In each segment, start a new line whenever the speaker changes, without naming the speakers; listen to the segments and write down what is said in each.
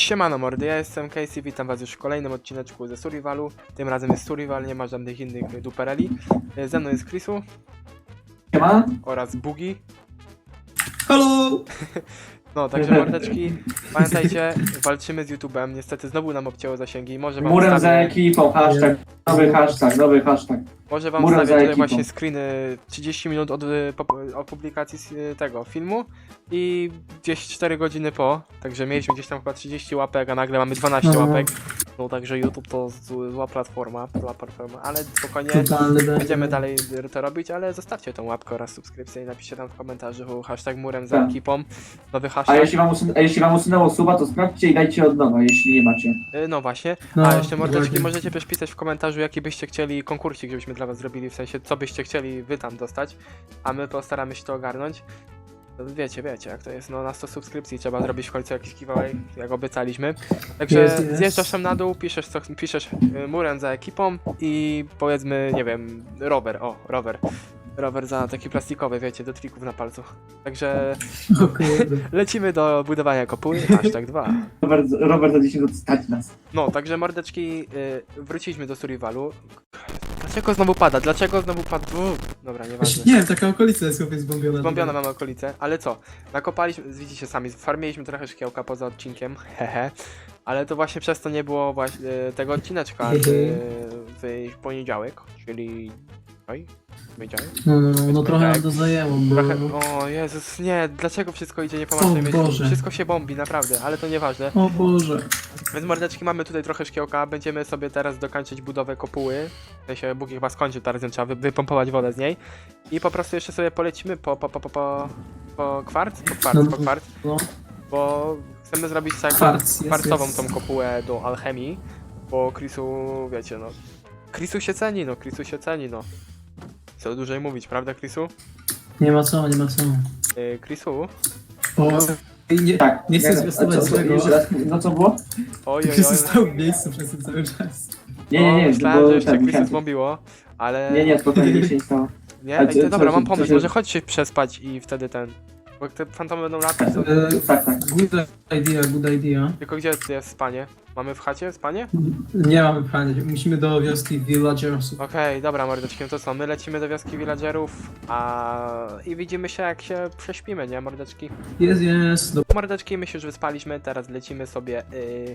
Siemano mordy, ja jestem Casey, witam was już w kolejnym odcineczku ze Survivalu. Tym razem jest Survival, nie ma żadnych innych dupereli. Ze mną jest Chrisu
Siema.
oraz Bugi.
Halo!
No, także mordeczki, pamiętajcie, walczymy z YouTube'em, niestety znowu nam obcięło zasięgi, może wam
Murem za
wstawię,
ekipą, hashtag. Nowy hashtag.
może wam
murem za
wstawię tutaj
ekipą.
właśnie screeny 30 minut od publikacji tego filmu i gdzieś 4 godziny po, także mieliśmy gdzieś tam chyba 30 łapek, a nagle mamy 12
No.
łapek. No także YouTube to zła platforma, ale spokojnie.
Totalny
Będziemy dalej to robić, ale zostawcie tą łapkę oraz subskrypcję i napiszcie tam w komentarzu hashtag murem za
Tak.
ekipą. Nowy
A
hashtag.
jeśli wam usunęło suba, to sprawdźcie i dajcie od nowa, jeśli nie macie.
No właśnie.
No,
A jeszcze mordeczki,
dokładnie.
możecie też pisać w komentarzu, jaki byście chcieli konkursik, żebyśmy dla was zrobili, w sensie co byście chcieli wy tam dostać, a my postaramy się to ogarnąć. To wiecie jak to jest, no na 100 subskrypcji trzeba zrobić w końcu jakiś giveaway, jak obiecaliśmy. Także
Jest.
zjeżdżasz tam na dół, piszesz murem za ekipą i powiedzmy, nie wiem, rower. Rower za taki plastikowy, wiecie, do trików na palcu. Także
O kurde.
lecimy do budowania kopuły, hashtag 2.
Robert za 10 minut stać nas.
No, także mordeczki, wróciliśmy do Survivalu. Dlaczego znowu pada? Dobra, nieważne.
Nie wiem, taka okolica jest chłopie zbombiona.
Zbombione mamy okolice, ale co? Nakopaliśmy, widzicie sami, farmiliśmy trochę szkiełka poza odcinkiem, hehe. Ale to właśnie przez to nie było właśnie tego odcineczka w poniedziałek, czyli... Oj, poniedziałek?
No trochę nam to zajęło, bo...
Trochę, o Jezus, nie, dlaczego wszystko idzie nie po
O
naszej myśli?
Boże.
Wszystko się bombi, naprawdę, ale to nieważne.
O Boże.
Więc mordeczki, mamy tutaj trochę szkiełka, będziemy sobie teraz dokończyć budowę kopuły. W sensie Bóg chyba skończył, teraz trzeba wypompować wodę z niej. I po prostu jeszcze sobie polecimy po kwarc, po kwarc,
No.
bo chcemy zrobić tak
Kwarc,
kwarcową
jest.
tą kopułę do alchemii, bo Chrisu, wiecie no, Chrisu się ceni, no. Co dłużej mówić, prawda Chrisu?
Nie ma co.
Chrisu?
O, nie,
Tak.
nie chcę
a
zwiastować
co,
złego.
jeszcze raz, no co było?
Oj,
Ty stał w miejscu przez ten cały czas.
Nie,
myślałem, że jeszcze
tak,
Chrisu
musiałem-
zbombiło, ale...
Nie, spokojnie, nic się nie stało.
Nie,
A
ej, to
co-
dobra,
co-
mam
co
pomysł,
się-
może chodź się przespać i wtedy ten... Bo te fantomy będą latać, to...
Tak.
Good idea.
Tylko gdzie jest spanie? Mamy w chacie spanie?
Nie mamy pytania, musimy do wioski villagersów.
Okej, dobra mordeczki, no to co, my lecimy do wioski villagerów, i widzimy się jak się prześpimy, nie mordeczki?
Jest.
Mordeczki, my się już wyspaliśmy, teraz lecimy sobie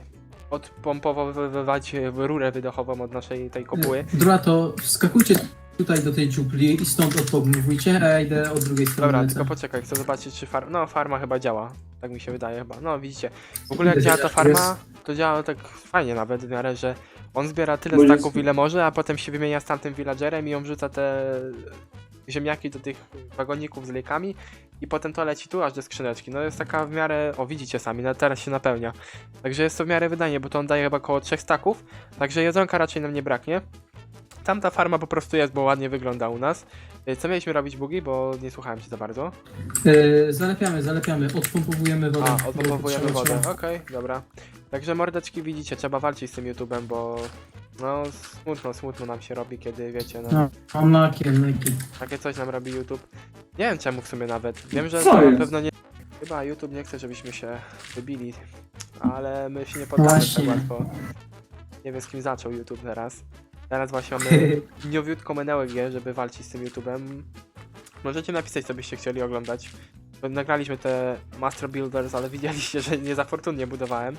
odpompowywać rurę wydechową od naszej tej kopuły.
Dobra, to wskakujcie tutaj do tej dziupli i stąd odpomówujcie, a ja idę od drugiej strony.
Dobra,
lecę.
tylko poczekaj, chcę zobaczyć czy farma chyba działa, tak mi się wydaje chyba, no widzicie. W ogóle jak
Widać,
działa ta
że
farma, to działa tak fajnie nawet w miarę, że on zbiera tyle
Bo jest-
staków ile może, a potem się wymienia z tamtym villagerem i on wrzuca te ziemniaki do tych wagoników z lejkami i potem to leci tu aż do skrzyneczki. No jest taka w miarę, o widzicie sami, no teraz się napełnia. Także jest to w miarę wydajnie, bo to on daje chyba około 3 staków, także jedzonka raczej nam nie braknie. Tamta farma po prostu jest, bo ładnie wygląda u nas. Co mieliśmy robić, Bugi, bo nie słuchałem cię za bardzo.
Zalepiamy, odpompowujemy wodę.
A, odpompowujemy
Trzeba-
wodę,
trzeba.
okej, dobra. Także mordeczki widzicie, trzeba walczyć z tym YouTube'em, bo no smutno nam się robi, kiedy wiecie, no
No, naki.
takie coś nam robi YouTube. Nie wiem czemu w sumie nawet, wiem, że
Co
to na
jest?
pewno nie... Chyba YouTube nie chce, żebyśmy się wybili, ale my się nie poddamy tak
Właśnie.
łatwo. Nie wiem z kim zaczął YouTube teraz. Teraz właśnie mamy nowiutką energię, żeby walczyć z tym YouTube'em. Możecie napisać, co byście chcieli oglądać. Bo nagraliśmy te Master Builders, ale widzieliście, że nie za fortunnie budowałem.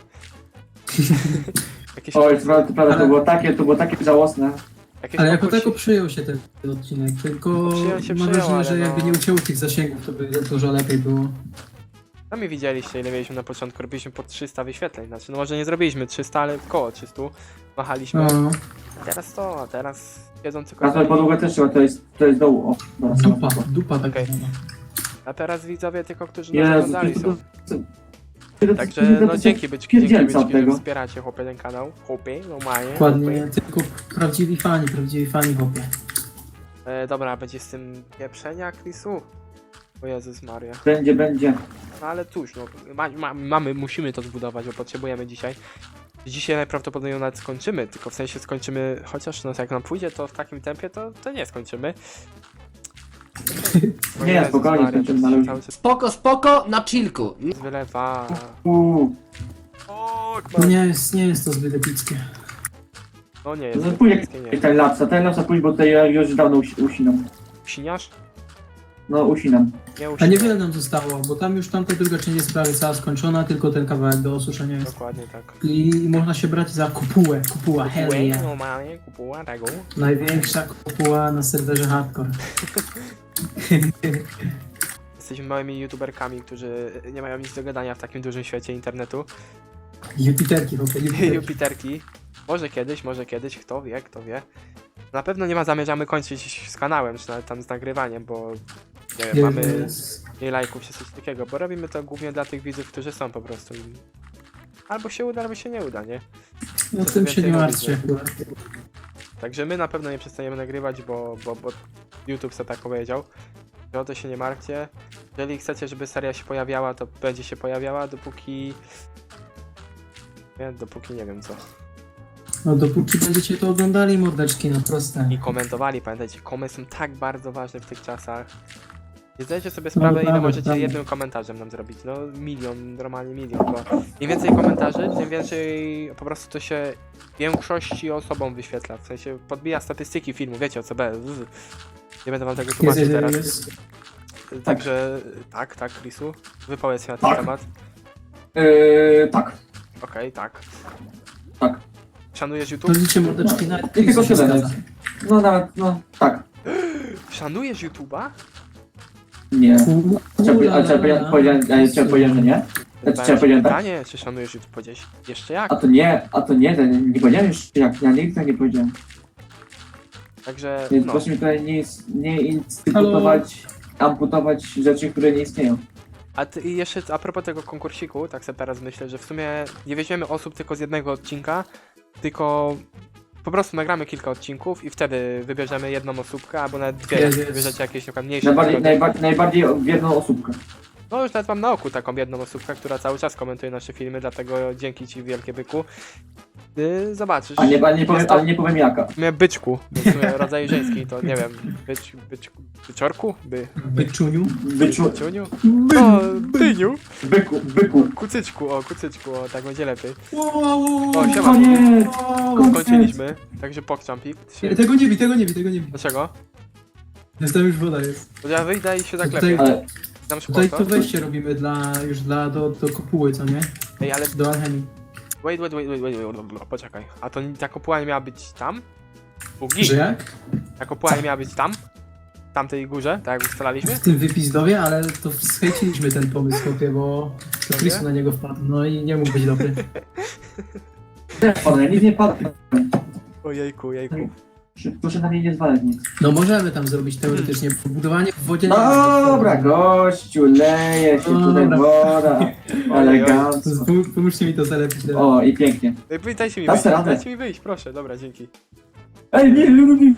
Jakieś,
Oj, to prawda, to było takie żałosne.
jakieś
Ale jako
konkursy-
tako przyjął się ten odcinek, tylko
Przyjął,
mam wrażenie,
ale
że jakby
no-
nie ucięło tych zasięgów, to by dużo lepiej było.
Sami widzieliście, ile mieliśmy na początku. Robiliśmy po 300 wyświetleń. Znaczy, no może nie zrobiliśmy 300, ale koło 300. Machaliśmy.
No,
A teraz siedzący
Na tą podłogę też trzeba, to jest dołu. O, dobra,
dupa tak
Okej.
zwana.
A teraz widzowie tylko, którzy nas
Jezu,
oglądali są.
to-
Także
to-
no
to-
dzięki byczki,
pierdzielca od
że
tego.
wspieracie chłopie ten kanał. Chłopie, normalnie.
Dokładnie,
chłopie.
tylko prawdziwi fani chłopie.
Dobra, będzie z tym pieprzenia, Chrisu? O Jezus Maria.
Będzie.
No ale cóż, no, musimy to zbudować, bo potrzebujemy dzisiaj. Dzisiaj najprawdopodobniej nawet skończymy, tylko w sensie skończymy, chociaż no jak nam pójdzie to w takim tempie, to nie skończymy. O
Nie,
Jezus
spokojnie,
Maria,
skończymy,
to
ale-
cały czas
Spoko, na chillku.
wylewa.
Uuu.
O
No nie jest to zbyt epickie.
No nie
To
jest.
pójdzie
Nie.
ten lapsa pójdź, bo tutaj ja już dawno usinam.
Siniasz?
No, usinam.
Nie
A
usinam.
niewiele nam zostało, bo tam już tamta druga część jest prawie cała skończona, tylko ten kawałek do osuszenia jest.
Dokładnie tak.
I można się brać za kopułę, hell yeah.
Normalnie kupuła tego.
Największa kopuła na serwerze hardcore.
Jesteśmy małymi youtuberkami, którzy nie mają nic do gadania w takim dużym świecie internetu.
Jupiterki, Jupiterki.
Jupiterki. Może kiedyś, kto wie. Na pewno nie zamierzamy kończyć z kanałem, czy nawet tam z nagrywaniem, bo nie wiem, mamy mniej lajków czy coś takiego, bo robimy to głównie dla tych widzów, którzy są po prostu. Albo się uda, albo się nie uda, nie?
No tym się nie martwcie.
Także my na pewno nie przestaniemy nagrywać, bo YouTube sobie tak powiedział. Że o to się nie martwcie. Jeżeli chcecie, żeby seria się pojawiała, to będzie się pojawiała, dopóki nie wiem co.
No dopóki będziecie to oglądali, mordeczki, no proste.
I komentowali, pamiętajcie, komentarze są tak bardzo ważne w tych czasach. Nie zdajecie sobie sprawę, ile możecie jednym komentarzem nam zrobić. No normalnie milion, bo im więcej komentarzy, tym więcej po prostu to się większości osobom wyświetla. W sensie podbija statystyki filmu, wiecie o co B. Nie będę wam tego tłumaczyć teraz. Także tak, Chrisu, wypowiedz się na ten
Tak.
temat.
Tak.
Okej, tak.
Tak.
Szanujesz
To
YouTube?
liczę mordeczki na
I tylko się zgadza. No nawet, no, tak.
Szanujesz YouTube'a?
Nie. Trzeba powiedzieć, że nie? Trzeba powiedzieć tak?
Pytanie, czy szanujesz YouTube? Powiedziałeś jeszcze jak?
A to nie, nie powiedziałem już jak, ja nigdy tak nie powiedziałem.
Także,
Więc
no.
proszę mi tutaj nie amputować rzeczy, które nie istnieją.
I jeszcze a propos tego konkursiku, tak sobie teraz myślę, że w sumie nie weźmiemy osób tylko z jednego odcinka, tylko po prostu nagramy kilka odcinków i wtedy wybierzemy jedną osóbkę, albo nawet dwie, jak wybierzecie jakieś na przykład mniejsze.
Najbardziej w jedną osóbkę.
No już nawet mam na oku taką jedną osóbkę, która cały czas komentuje nasze filmy, dlatego dzięki ci wielkie byku. Zobaczysz.
Ale nie powiem jaka.
W sumie byczku, bo w sumie rodzaj żeński, to nie wiem, byczorku?
Byczuniu.
Byczuniu? O, dyniu!
Byku.
Kucyczku, o, tak będzie lepiej.
Wow,
O, siema.
Koniec!
Skończyliśmy, także pokczampik.
Tego nie bij.
Dlaczego?
Jest tam już woda jest.
To ja wyjdę i się
Tutaj-
zaklepię.
Ale
Dam szkło,
Tutaj
to?
to wejście robimy do kopuły, co nie?
Ej, ale
Do alchemii.
wait, poczekaj. A to ta kopuła nie miała być tam? Bugi?
Że jak?
Ta kopuła nie miała być tam? W tamtej górze, tak jak ustalaliśmy?
W tym wypizdowie, ale to schejciliśmy ten pomysł, chłopie, bo to Chrisu na niego wpadł, no i nie mógł być dobry.
ja nic nie padłem.
Ojejku.
Proszę na mnie nie zwalać nic.
No możemy tam zrobić teoretycznie budowanie w wodzie.
Dobra, gościu, leje się tutaj woda. Elegancko.
Pomóżcie mi to zalepić teraz.
O, i pięknie.
Ej, dajcie mi
Dasz
wyjść,
radę.
dajcie mi wyjść, proszę, dobra, dzięki.
Ej, nie, lubi.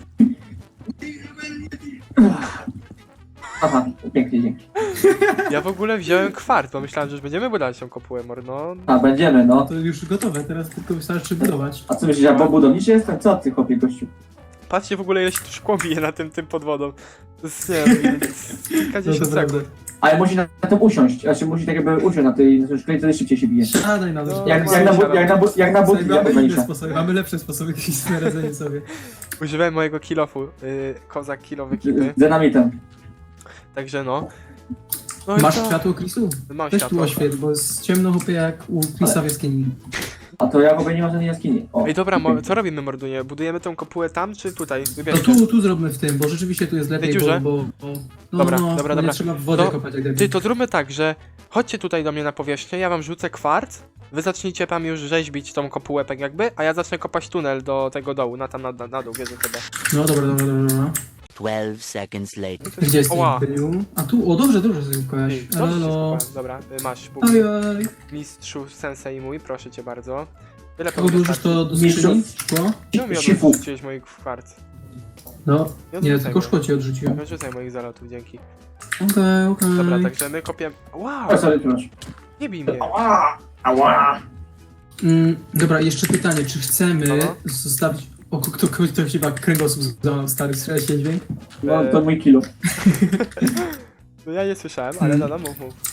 Aha, pięknie, dzięki.
Ja w ogóle wziąłem kwart, bo myślałem, że już będziemy budować tą kopułę, no.
A, będziemy, no.
To już gotowe, teraz tylko wystarczy budować.
A co myślisz, ja budowniczy jestem? Co ty, chłopie, gościu?
Patrzcie w ogóle ile się tu szkło bije na tym pod wodą. To jest, nie wiem, kilkadziesiąt
No to
sekund.
Ale musi na to usiąść, znaczy musi tak jakby usiąść na tej szkle, wtedy szybciej się bije.
Siadaj na to.
No,
Jak na budki, ja
Mamy inne sposoby, mamy lepsze sposoby niż na radzenie sobie.
Używałem mojego kilofu, kozak kilowy kipy,
Z dynamitem.
także no. No i
Masz
co?
światło, Chrisu?
Mam
Weź tu
światło.
oświet, bo jest ciemno chłopie jak u Chrisa w jaskini.
A to ja w ogóle nie ma żadnej jaskini. O.
Ej, dobra, co robimy, Mordunie? Budujemy tą kopułę tam, czy tutaj?
No
Wybierzmy.
tu zróbmy w tym, bo rzeczywiście tu jest lepiej,
dziurze?
bo no,
Dobra,
no,
dobra,
bo nie
dobra.
trzeba w wodę
To-
kopać jak
Ty,
debil.
to zróbmy tak, że chodźcie tutaj do mnie na powierzchnię, ja wam rzucę kwarc, wy zacznijcie tam już rzeźbić tą kopułę tak jakby, a ja zacznę kopać tunel do tego dołu, na dół, wierzę sobie.
No dobra.
12 seconds later.
Gdzie jest
Oła.
Imperium? A tu, o dobrze sobie kojaś.
Ty, dobrze się
Elo.
skupałem. Dobra, masz, Bóg,
Ojoj.
mistrzu sensei mój, proszę cię bardzo. Tyle
Odłożysz to do skrzyni? Szkło?
Czemu mi
Sifu.
odrzuciłeś moich kwarc?
No,
Nie
nie,
odrzucaj
tylko
mnie.
szkło ci odrzuciłem.
Nie odrzucaj moich zalotów, dzięki.
Okej.
Dobra, także my kopiemy... Wow,
O, sorry, proszę.
nie bij mnie.
Ała!
Dobra, jeszcze pytanie, czy chcemy
Halo?
zostawić... O, ktoś chyba kręgosłup złamał, stary, słyszałeś się dźwięk?
No, to mój kilo.
No ja nie słyszałem, ale no, mów.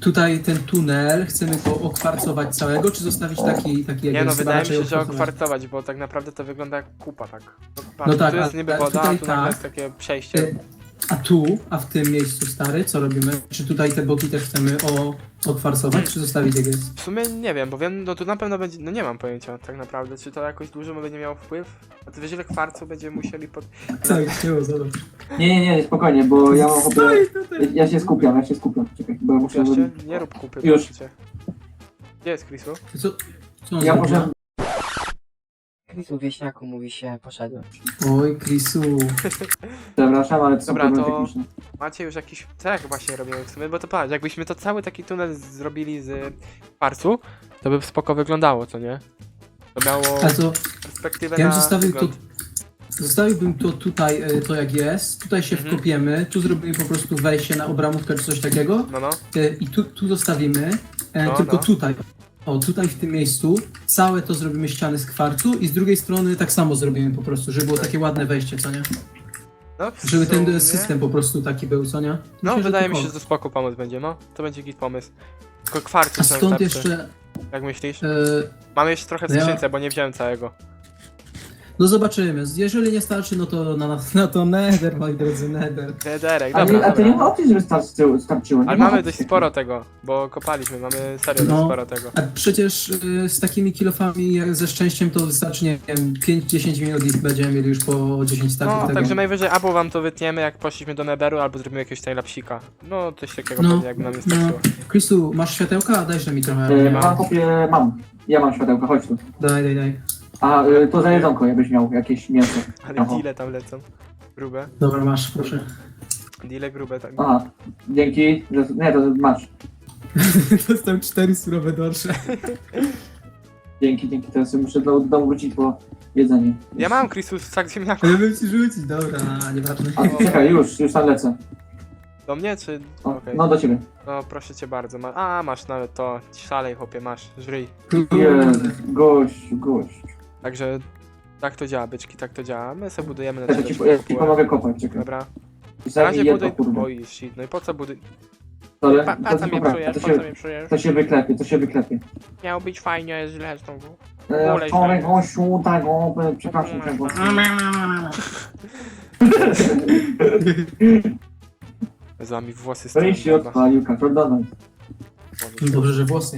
tutaj ten tunel, chcemy go okwarcować całego, czy zostawić taki jak
Nie no,
jest?
wydaje mi
Raczej
się, że
okwarcować.
okwarcować, bo tak naprawdę to wygląda jak kupa, tak. No, patrz,
No tak,
tu jest
a
niby woda,
tutaj
a tu nagle
tak.
jest takie przejście.
A w tym miejscu, stary, co robimy? Czy tutaj te boki też chcemy okwarcować, czy zostawić jak jest?
W sumie nie wiem, bo wiem, no tu na pewno będzie, no nie mam pojęcia tak naprawdę, czy to jakoś dużo będzie miało wpływ. A ty wiesz ile kwarcu będziemy musieli pod...
Tak, było, zobacz.
Nie, spokojnie, bo ja mam ochotę...
Stoi tutaj.
Ja się skupiam. Czekaj, bo ja muszę...
Jeszcze nie rób kupy,
Już.
proszę cię. Gdzie jest Chrisu?
Co on
Ja
zrobił?
może...
Chrisu wieśniaku mówi się, poszedłem.
Oj, Chrisu.
Przepraszam, ale to są
Dobra,
problemy
to-
techniczne.
Macie już jakiś... Tak właśnie robimy w sumie, bo to patrz, jakbyśmy to cały taki tunel zrobili z kwarcu, to by spoko wyglądało, co nie? To miało
A to
perspektywę
ja
na
bym
wygląd.
zostawiłbym to tutaj, to jak jest, tutaj się
Mhm.
wkopiemy, tu zrobimy po prostu wejście na obramówkę czy coś takiego
No, no.
i tu zostawimy,
No,
tylko
no.
tutaj. O, tutaj w tym miejscu całe to zrobimy ściany z kwarcu i z drugiej strony tak samo zrobimy po prostu, żeby było takie ładne wejście, co nie?
No, w
Żeby
sumie-
ten system po prostu taki był, co nie?
No,
Myślę, że
wydaje
to
mi się, że
o.
to spoko pomysł będzie, no. To będzie git pomysł. Tylko kwarcu
A
są
stąd
starczy.
jeszcze...
Jak myślisz?
e,
Mamy jeszcze trochę w
No ja-
skrzynce, bo nie wziąłem całego.
no zobaczymy, jeżeli nie starczy, no to na to nether, moi drodzy, nether.
Derek,
Ale,
dobra,
a to nie ma
dobra.
opcji, żeby starczyło.
Ale
Nie ma
mamy
opcji
dość
takiej.
sporo tego, bo kopaliśmy, mamy serio
No.
dość sporo tego.
A przecież z takimi kilofami jak ze szczęściem to wystarczy, nie wiem, 5-10 minut i będziemy mieli już po 10 staków
No,
tego.
także najwyżej albo wam to wytniemy, jak poszliśmy do Netheru, albo zrobimy jakiegoś timelapsika. No, coś takiego
No,
pewnie, jakby nam nie
no.
starczyło.
Chrisu, masz światełka? Dajże mi trochę.
Nie mam.
Mam. Ja mam światełka, chodź tu.
Daj.
A to za jedzonko, jakbyś miał jakieś mięso.
Ale
Aha.
deale tam lecą. Grube.
Dobra, masz, proszę.
Deale grube, tak.
Aha, dzięki. Nie, to masz.
Dostałem 4 surowe dorsze.
Dzięki. Teraz muszę do domu wrócić po jedzenie.
Ja mam Chrisus sak ziemniaków.
Ja bym ci rzucić, dobra, nieważne.
A czekaj, już tam lecę.
Do mnie, czy...
O,
Okej.
No do ciebie.
No, proszę cię bardzo. Masz nawet to. Szalej, chłopie, masz. Żryj.
Jest, gość.
Także... Tak to działa, byczki, tak to działa. My sobie budujemy na
Ja
tyle,
ci,
żeby
ja ci
kopułę.
pomogę kopać, czekaj.
Dobra. Na
Zabij
razie
jedno,
buduj...
kurwa.
Oj, shit. No i po co buduj...
Ale
Pa co mnie psujesz, po co mnie psujesz?
to się wyklepie.
Miało być fajnie, jest źle znowu.
Wczoraj gościu, tak, przepraszam cię, gościu.
Z wami włosy z
Wyjść się odpalił, Kaczor Donald.
Dobrze, że włosy.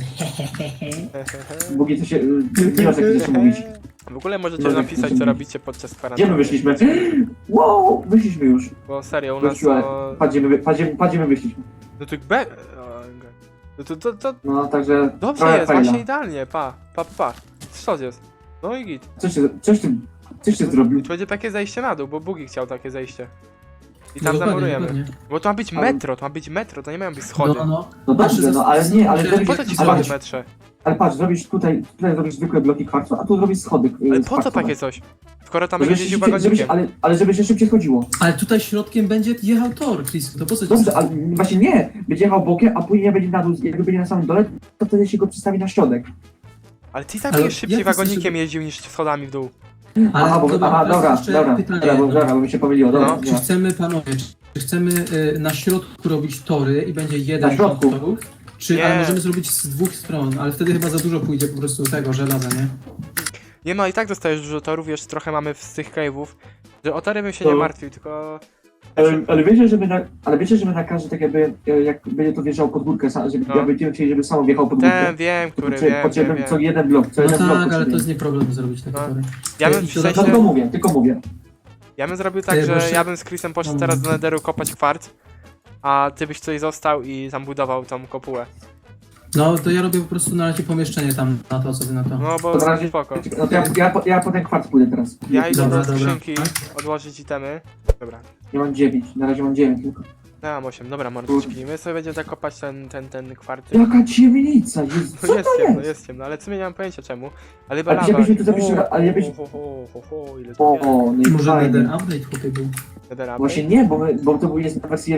Bugi, to się, nie masz jak coś mówić.
W ogóle możecie
Może
napisać,
coś
co
mówić.
robicie podczas
Gdzie
kwarantanny.
my wyszliśmy? Wow, wyszliśmy już.
Bo serio, u nas
Gościu, ale
to...
padziemy wyszliśmy.
No to be... No to...
No, także
Dobrze
trochę
jest,
fajna.
właśnie idealnie, pa. Co jest? No i git.
Coś ty zrobił.
To będzie takie zejście na dół, bo Bugi chciał takie zejście. I
No
tam
dokładnie,
zamurujemy.
dokładnie.
Bo to ma być
Ale-
metro, to nie mają być schody.
No.
No dobrze, no ale nie, ale
Ale
Ale
zrobisz,
po co ci
Ale
schody
patrz,
w metrze?
ale patrz, tutaj zrobisz zwykłe bloki kwarcu, a tu zrobisz schody.
Ale
z
po co
kwarcowe.
takie coś? Skoro tam
Żebyś
będzie jeździł
szybciej-
wagonikiem.
ale żeby się szybciej chodziło.
Ale tutaj środkiem będzie jechał tor, Chris, to po co ci...
Dobrze, ale właśnie nie. Będzie jechał bokiem, a później będzie na dół, jakby będzie na samym dole, to wtedy się go przestawi na środek.
Ale ty i tak
Ale
będziesz szybciej
jak ty chcesz,
wagonikiem
żeby-
jeździł niż schodami w dół.
Ale
Aha,
to
dobra,
jest jeszcze
dobra,
pytanie.
bo mi się pomyliło, dobra.
No.
Czy
dobra.
chcemy, panowie, czy chcemy na środku robić tory i będzie jeden
Na środku.
rząd torów? Czy
Nie.
ale możemy zrobić z dwóch stron, ale wtedy chyba za dużo pójdzie po prostu tego żelaza, nie?
Nie no, i tak dostajesz dużo torów, jeszcze trochę mamy z tych cave'ów. Że o tory bym się nie
To-
martwił, tylko...
Ale wiecie, że my na każdy tak jakby, jak będzie to wjeżdżał pod górkę, żeby
No.
ja będziemy chcieli, żeby samo wjechał pod górkę.
Ten, wiem,
To
który,
potrzebny
wiem.
co jeden blok, co
No
jeden blok
tak, ale to
potrzebujemy.
jest nie problem zrobić takie
No.
tory.
Ja bym
I
w
to-
No
sensie...
tylko mówię.
Ja bym zrobił tak,
Ty, bo
że
się-
ja bym z Chrisem poszedł
No.
teraz do Netheru kopać kwarc, a ty byś tutaj został i tam budował tą kopułę.
No to ja robię po prostu na razie pomieszczenie tam na to, co wy na to.
No bo
To na razie-
spoko.
No to ja po ten kwarc pójdę teraz.
Ja idę
Dobra,
do
dobra.
skrzynki odłożyć itemy. Dobra.
Ja mam 9, na razie mam 9 tylko.
Ja mam 8, dobra mordeczki. My sobie będziemy tak kopać ten kwarc.
Jaka ciemnica, jest, co
No jest
to
ciemno,
jest?
jest ciemno, ale w sumie nie mam pojęcia czemu. Ale chyba
Ale
lawa.
żebyśmy tu zapiszli, ale jakbyś...
Ile tu jest?
O, no i
Może
fajnie.
Nether update chłopie był.
Nether update?
Właśnie nie, bo to był jest na wersji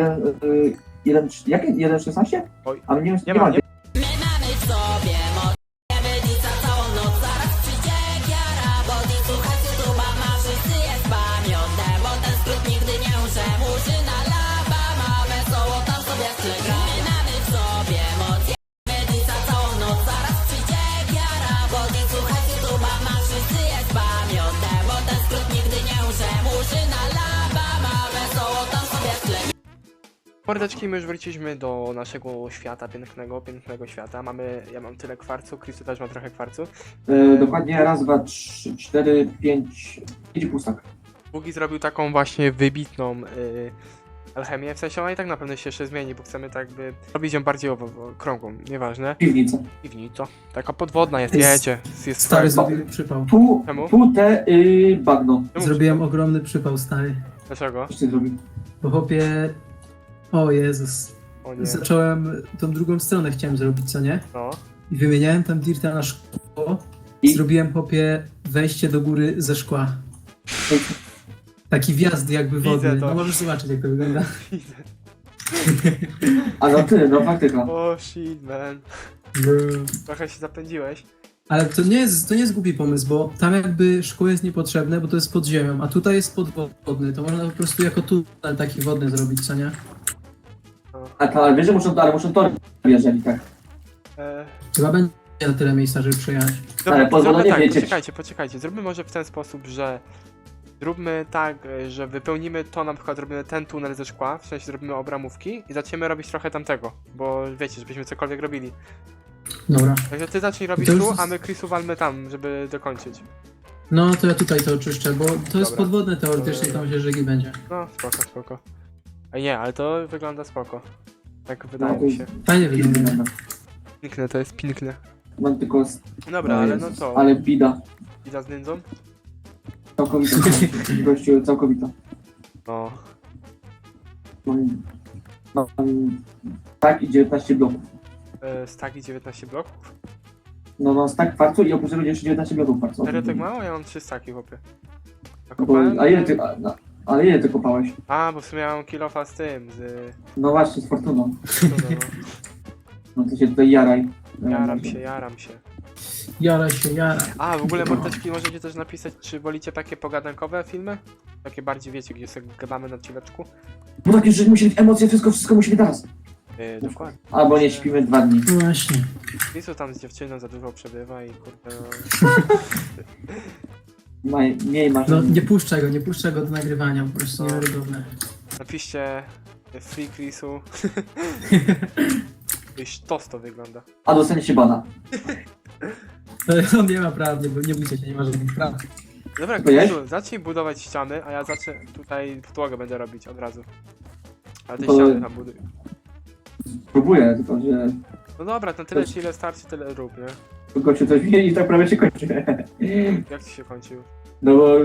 1.16?
Oj.
Ale nie
Nie mam, nie.
My mamy w sobie moc, nic za całą noc. Zaraz przyjdzie giara, bo i słuchajcie tuba ma, wszyscy jest pamiątne, bo ten skrót nigdy nie umrze. Murzyna laba ma wesoło, tam sobie w tle gra. My mamy w sobie moc,
Mordeczki, my już wróciliśmy do naszego świata, pięknego świata. Ja mam tyle kwarcu, Chrisu też ma trochę kwarcu.
Dokładnie raz, dwa, trzy, cztery, pięć pustak.
Bugi zrobił taką właśnie wybitną alchemię, w sensie ona i tak na pewno się jeszcze zmieni, bo chcemy tak jakby robić ją bardziej okrągłą, nieważne.
Piwnica.
Piwnica. Taka podwodna jest,
Jest-
wiecie. Jest
Stary,
swoja-
zrobiłem przypał.
Czemu?
Tu te bagno.
Czemu?
Zrobiłem ogromny przypał, stary.
Dlaczego?
Coś ty zrobił.
Bo chłopie... O Jezus.
O nie.
Zacząłem tą drugą stronę chciałem zrobić, co nie?
No.
I wymieniałem tam dirta na szkło.
I?
Zrobiłem chłopie wejście do góry ze szkła. Taki wjazd jakby
Widzę
wodny.
to.
No możesz zobaczyć jak to wygląda.
A no ty, no faktyka.
O shit, man. Trochę się zapędziłeś.
Ale to nie jest głupi pomysł, bo tam jakby szkło jest niepotrzebne, bo to jest pod ziemią, a tutaj jest podwodny. To można po prostu jako tunel taki wodny zrobić, co nie?
Ale wiesz, że muszą tory jeżeli tak.
Chyba będzie na tyle miejsca, żeby przejechać.
Ale pozwolenie
zróbmy tak,
wiecie.
poczekajcie. Zróbmy może w ten sposób, że zróbmy tak, że wypełnimy to, na przykład robimy ten tunel ze szkła, w sensie zrobimy obramówki i zaczniemy robić trochę tamtego, bo wiecie, żebyśmy cokolwiek robili.
Dobra.
Także ty zacznij robić
To już
tu,
jest-
a my Chrisu walmy tam, żeby dokończyć.
No to ja tutaj to oczyszczę, bo to jest
Dobra.
podwodne teoretycznie,
Dobra.
tam się rzeki będzie.
No, spoko. A nie, ale to wygląda spoko. Tak
No,
wydaje
to
mi się.
Fajnie wygląda.
Piękne, to jest piękne.
Mam tylko...
Dobra, ale no co?
Ale bida.
Ida z nędzą?
Całkowita. Gościu, całkowita.
No.
Mam tak i 19 bloków.
Stagi 19 bloków?
No mam stack kwarcu i oprócz tego jeszcze 19 bloków kwarcu.
Serio tak mało? Ja mam 3 staki, chłopie.
Bo,
Nakopałem?
a ile ty... Ale ile ty kopałeś?
A, bo w sumie mam kilofa z tym, z...
No właśnie, z fortuną.
No,
No to się tutaj jaraj.
jaram się.
Jara się, jara.
A, w ogóle mordeczki możecie też napisać, czy wolicie takie pogadankowe filmy? Takie bardziej, wiecie, gdzie sobie gadamy na chwileczku.
Bo tak już, że musi być emocje, wszystko musi być teraz.
Dokładnie.
Albo nie śpimy 2 dni.
No właśnie.
Lisu tam z dziewczyną za dużo przebywa i kurde no...
Mniej masz.
No nie puszczę go do nagrywania, po prostu niewiarygodne.
Napiszcie Free Chrisu. Sztos to wygląda.
A dostanie się bana.
On nie ma praw, nie bójcie się, nie ma żadnych praw.
Dobra,
To jest?
Chrisu, zacznij budować ściany, a ja zacznę tutaj podłogę będę robić od razu. Ale te
To-
ściany tam buduj.
Próbuję, tylko że
No dobra, to tyle ci ile starczy, tyle rób, nie?
gościu coś wie i tak prawie się kończy.
Jak ci się kończył?
No bo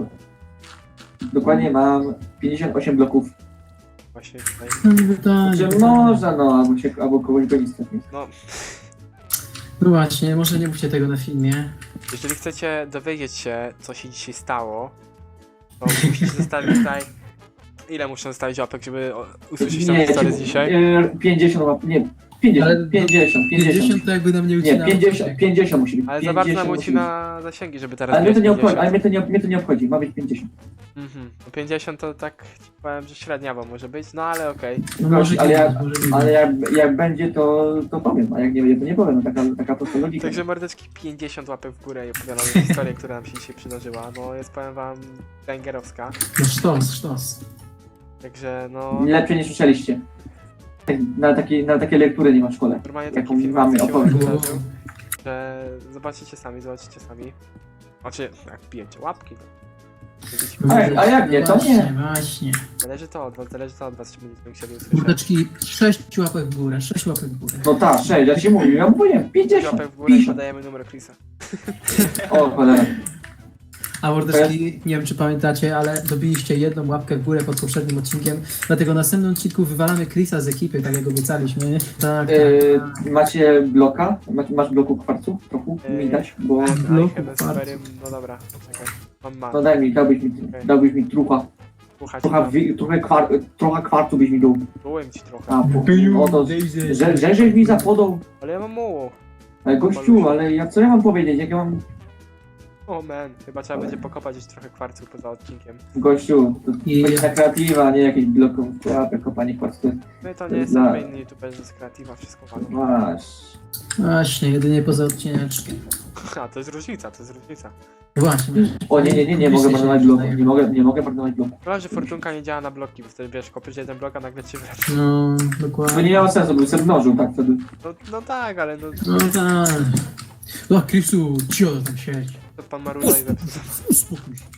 dokładnie mam 58 bloków.
Właśnie tutaj.
No nie pytanie.
Że można, no, albo kogoś go nie stać.
No,
No właśnie, może nie mówcie tego na filmie.
jeżeli chcecie dowiedzieć się, co się dzisiaj stało, to musicie zostawić tutaj... Ile muszę zostawić łapek, żeby usłyszeć tą historię z dzisiaj?
50 łap, nie, 50,
Ale 50 to jakby nam nie
Nie,
ucina.
50 musi być.
Ale za bardzo nam
50 musi być.
ucina zasięgi, żeby teraz
Ale mnie to nie
mieć
obchodzi,
50.
mnie to nie obchodzi, ma być 50.
Mhm. No 50 to tak ci powiem, że średniawo może być, no ale okej.
No może
Ale
kiedyś, może kiedyś.
Ale jak będzie, to powiem, a jak nie będzie, to nie powiem, no, taka prosta logika.
Także mordeczki 50 łapek w górę i opowiadamy historię, która nam się dzisiaj przydarzyła. No jest, powiem wam, węgierowska.
No sztos.
Także no...
Lepiej nie słyszeliście. Na takie lektury nie ma w szkole.
Normalnie
jaką
taki film
mamy
się
opowieść.
wydarzył, że zobaczycie sami. Znaczy, jak bijecie łapki, to... będziecie-
A jak nie, to nie.
Właśnie.
Zależy to od was, czy będziecie musieli usłyszeć.
Mordeczki, 6 łapek w górę, 6 łapek w górę.
No tak, 6, ja ci mówię, ja mówię, 50,
Łapek w górę i
50.
podajemy numer Chrisa.
O, cholera.
A mordeczki, nie wiem czy pamiętacie, ale dobiliście jedną łapkę w górę pod poprzednim odcinkiem, dlatego w następnym odcinku wywalamy Chrisa z ekipy, tak jak obiecaliśmy. Tak.
Macie bloka? Masz bloku kwarcu? Trochę mi dać, bo...
Bloku
Chyba
kwarcu.
superem, no dobra, czekaj. Mam.
No daj mi, dałbyś mi trucha.
Słuchać,
Trochę kwarcu byś mi dał.
byłem ci trochę.
A, no to... Żeś mi zapodał.
Ale ja mam mało.
Ale gościu, ale co ja mam powiedzieć, jak ja mam...
O man, chyba trzeba będzie pokopać już trochę kwarców poza odcinkiem.
Gościu, to
I-
chodzi na kreatywa, a nie jakieś bloków, kopanie kwarcu.
My to
To
nie
jest
jesteśmy
dla-
inni youtuberzy z kreatywa, wszystko walą.
Masz.
Właśnie, jedynie poza odcineczkiem.
A, to jest różnica.
Właśnie.
O nie mogę marnować bloku. Nie mogę marnować bloku.
Chyba, że fortunka nie działa na bloki, bo wtedy wiesz, kopiesz jeden blok, a nagle ci wraca.
No,
To nie
dokładnie.
miało sensu, bym sobie mnożył tak wtedy.
No tak, ale no,
No tak. No, Krisu, cio tam siedź.
to pan Maruda i zepsuł.
Uspokój się.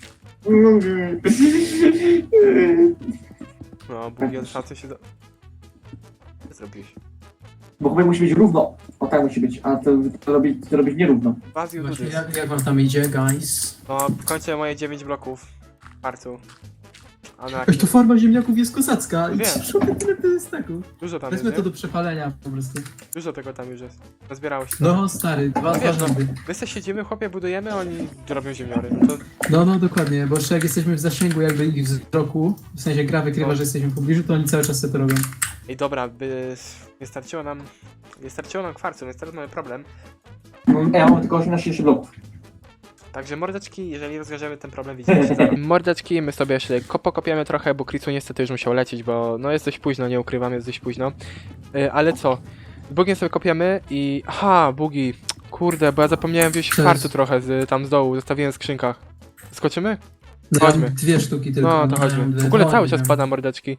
No, Bugi od szansy się do... Co zrobiłeś?
Bo chyba musi być równo. O tak musi być, a to robić nierówno.
Baziu
Właśnie,
Dudy.
jak wam tam idzie, guys?
No, kończę moje 9 bloków w parcu. A na
Ej, to farma ziemniaków jest kozacka. I
Wiem.
tyle to jest tego.
Dużo tam jest,
Wezmę to
nie?
do przepalenia po prostu.
Dużo tego tam już jest. Nazbierało się.
No, stary, dwa
Wiesz, no,
rządy.
my se siedzimy, chłopie, budujemy, a oni robią ziemiory. No to
No, dokładnie, bo jeszcze jak jesteśmy w zasięgu jakby ich wzroku, w sensie gra wykrywa,
No.
że jesteśmy w pobliżu, to oni cały czas sobie to robią.
Ej, dobra, nie starczyło nam kwarcu, więc teraz mamy problem.
Ja mam tylko 18 bloków.
Także mordeczki, jeżeli rozwiążemy ten problem, widzimy się zaraz. Mordeczki, my sobie jeszcze pokopiemy trochę, bo Krisu niestety już musiał lecieć, bo no jest dość późno, nie ukrywam, jest dość późno. Ale co? Bugiem sobie kopiemy i... Aha, bugi. Kurde, bo ja zapomniałem wziąć
Cześć.
kwarcu trochę tam z dołu, zostawiłem w skrzynkach. Skoczymy?
No,
Chodźmy.
ja mam 2 sztuki tylko.
No to chodźmy. W ogóle cały czas
pada.
pada mordeczki.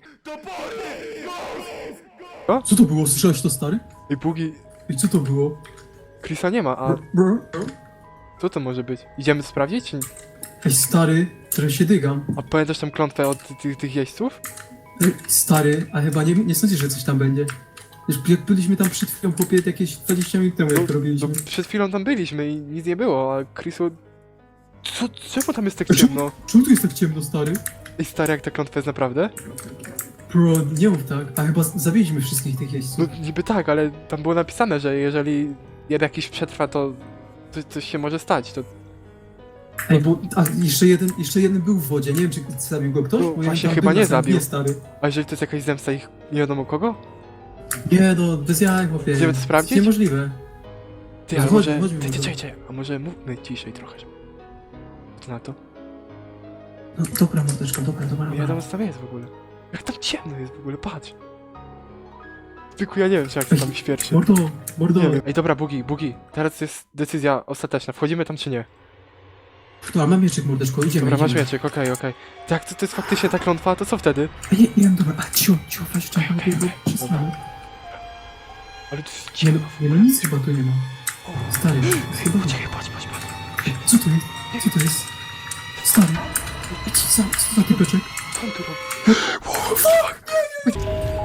Co to było? Słyszałeś to, stary?
I bugi...
I co to było?
Krisa nie ma, a co to może być? Idziemy sprawdzić? Czy...
Ej, stary, trochę się dygam.
A pamiętasz tą klątwę od tych jeźdźców?
Ej, stary, a chyba nie sądzisz, że coś tam będzie. Już jak byliśmy tam przed chwilą, chłopie, jakieś 20 minut temu, jak to
No
robiliśmy.
przed chwilą tam byliśmy i nic nie było, a Chrisu... Czemu tam jest tak ciemno?
Czemu tu jest tak ciemno, stary?
Ej stary, jak ta klątwa jest naprawdę?
Bro, nie mów tak. A chyba zabiliśmy wszystkich tych
No
jeźdźców.
niby tak, ale tam było napisane, że jeżeli jeden jakiś przetrwa, to coś się może stać, to...
Ej, bo a jeszcze jeden był w wodzie, nie wiem, czy zabił go ktoś?
No,
Bo
właśnie
tam
chyba
był
nie
na sam
zabił.
dnie, stary.
A jeżeli to jest jakaś zemsta ich nie wiadomo kogo?
Nie, no, bez jaj, chłopie.
Idziemy to sprawdzić?
Niemożliwe.
Ty,
No
ale
chodźmy,
może...
chodźmy
Ty,
może.
czekaj, a może mówmy ciszej trochę, żeby... Co na to?
No, dobra, mordeczka, dobra.
Nie wiadomo co tam jest w ogóle. Jak tam ciemno jest w ogóle, patrz! Tylko ja nie wiem, czy jak to tam świerczy.
Mordo.
Nie wiem. Ej, dobra, Bugi, teraz jest decyzja ostateczna. Wchodzimy tam czy nie?
Dobra, mam mieczyk, mordeczko, idziemy.
Dobra, masz
idziemy.
mieczyk, okej. Tak, to jest faktycznie ta klątwa, to co wtedy?
Ej, nie, dobra, a cio, weź czekaj,
Okej,
bo przestanę.
Ale to jest
Nie,
ciemno.
no nic chyba tu nie ma. Stary, chyba...
Czekaj, patrz.
Co to jest? Co to jest? Stary, co za typeczek?
Co on tu robi?